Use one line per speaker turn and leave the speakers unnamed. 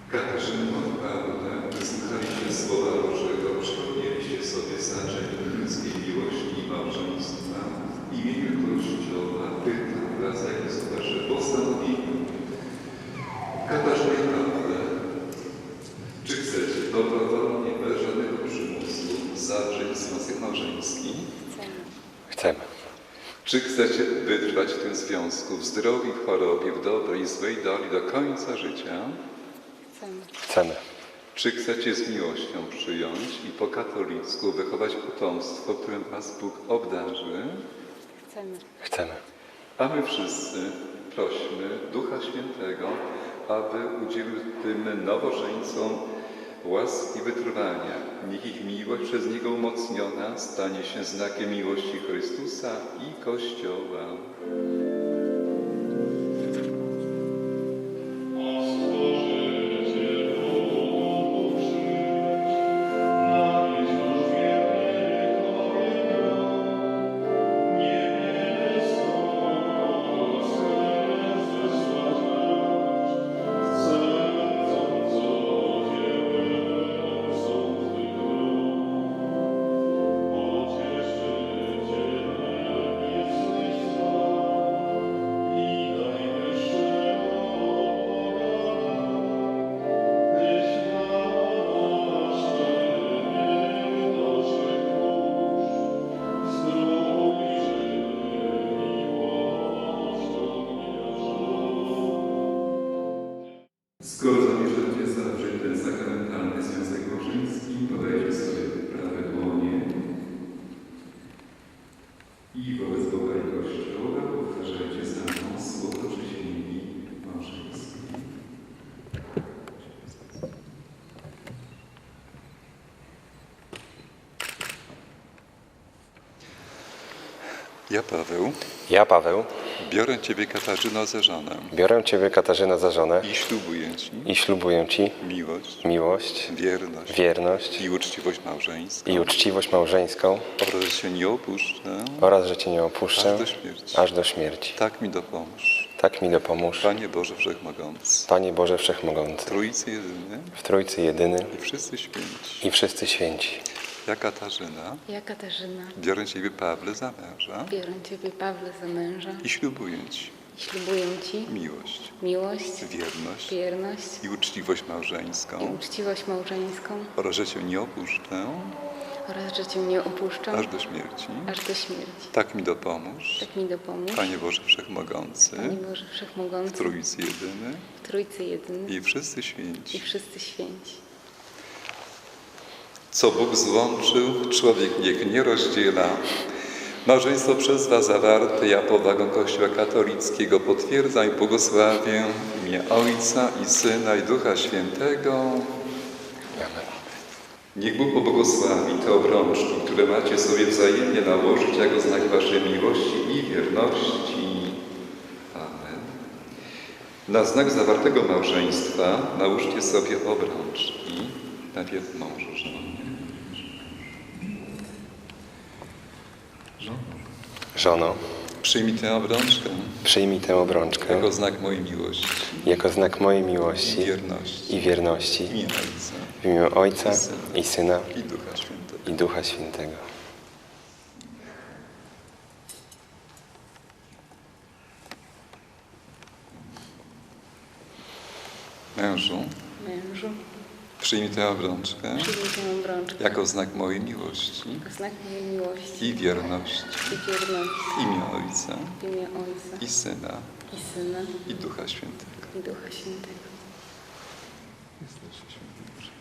Katarzyno i Pawle, wysłuchaliście Słowa Bożego, przypomnieliście sobie znaczenie ludzkiej miłości i małżeństwa. W imieniu Kościoła pytam was, jakie są wasze postanowienia. Katarzyno i Pawle, czy chcecie dobrowolnie, bez żadnego przymusu zawrzeć związek małżeński?
Chcemy.
Czy chcecie wytrwać w tym związku w zdrowiu, w chorobie, w dobrej i złej doli do końca życia?
Chcemy.
Czy chcecie z miłością przyjąć i po katolicku wychować potomstwo, którym was Bóg obdarzy?
Chcemy.
A my wszyscy prośmy Ducha Świętego, aby udzielił tym nowożeńcom łaski wytrwania. Niech ich miłość przez Niego umocniona stanie się znakiem miłości Chrystusa i Kościoła. Skoro zamierzacie zawrzeć ten sakramentalny związek małżeński, podajcie sobie prawe dłonie i wobec Boga i Kościoła powtarzajcie za mną słowo przysięgi małżeńskiej. Ja, Paweł, biorę Ciebie, Katarzyno, za żonę
biorę Ciebie, Katarzyno, za żonę
i ślubuję Ci
miłość, wierność
i uczciwość małżeńską
oraz, że Cię nie opuszczę
aż do śmierci.
Tak mi dopomóż.
Panie Boże Wszechmogący,
Panie Boże Wszechmogący,
w
w Trójcy Jedyny
i wszyscy święci.
Ja,
Katarzyna,
Biorę Ciebie, Pawle, za męża
za męża
i ślubuję Ci
i ślubuję Ci
miłość,
wierność
i uczciwość małżeńską oraz, że Cię nie opuszczę
oraz, że Cię nie opuszczę
aż do śmierci. Tak mi dopomóż, Panie Boże Wszechmogący, w Trójcy Jedyny i wszyscy święci. Co Bóg złączył, człowiek niech nie rozdziela. Małżeństwo przez Was zawarte, ja powagą Kościoła katolickiego potwierdzam i błogosławię w imię Ojca i Syna i Ducha Świętego. Niech Bóg pobłogosławi te obrączki, które macie sobie wzajemnie nałożyć jako znak Waszej miłości i wierności. Amen. Na znak zawartego małżeństwa nałóżcie sobie obrączki. Najpierw mążu, żonie.
Żono,
Przyjmij tę obrączkę
jako znak mojej miłości
i wierności
w imię Ojca i Syna
i Ducha Świętego. Mężu, przyjmij tę obrączkę jako znak mojej miłości i wierności w imię Ojca i Syna i Ducha Świętego. Jesteście święty.